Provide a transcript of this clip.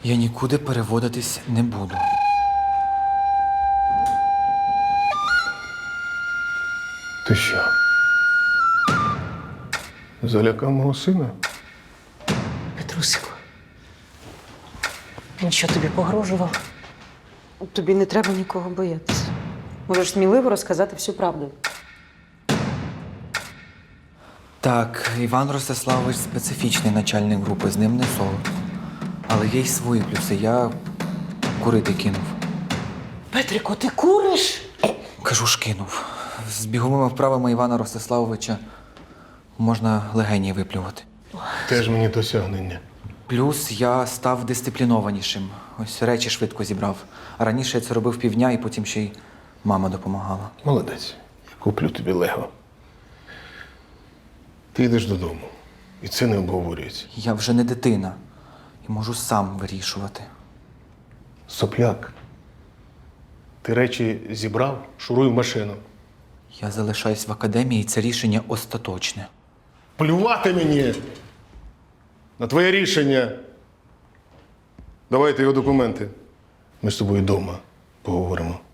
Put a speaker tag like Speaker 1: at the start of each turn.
Speaker 1: Я нікуди переводитись не буду.
Speaker 2: Ти що? Залякав мого сина?
Speaker 3: Петрусику, він що, тобі погрожував? Тобі не треба нікого боятися. Можеш сміливо розказати всю правду.
Speaker 1: Так, Іван Ростиславович специфічний начальник групи, з ним не солод. Але є й свої плюси. Я курити кинув.
Speaker 3: Петрико, ти куриш?
Speaker 1: Кажу ж кинув. З біговими вправами Івана Ростиславовича можна легені виплювати.
Speaker 2: Теж мені досягнення.
Speaker 1: Плюс я став дисциплінованішим. Ось речі швидко зібрав. А раніше я це робив півдня, і потім ще й мама допомагала.
Speaker 2: Молодець. Я куплю тобі Лего. Ти йдеш додому. І це не обговорюється.
Speaker 1: Я вже не дитина і можу сам вирішувати.
Speaker 2: Сопляк. Ти речі зібрав, шуруй в машину.
Speaker 1: Я залишаюсь в академії, і це рішення остаточне.
Speaker 2: Плювати мені на твоє рішення. Давайте його документи. Ми з тобою вдома поговоримо.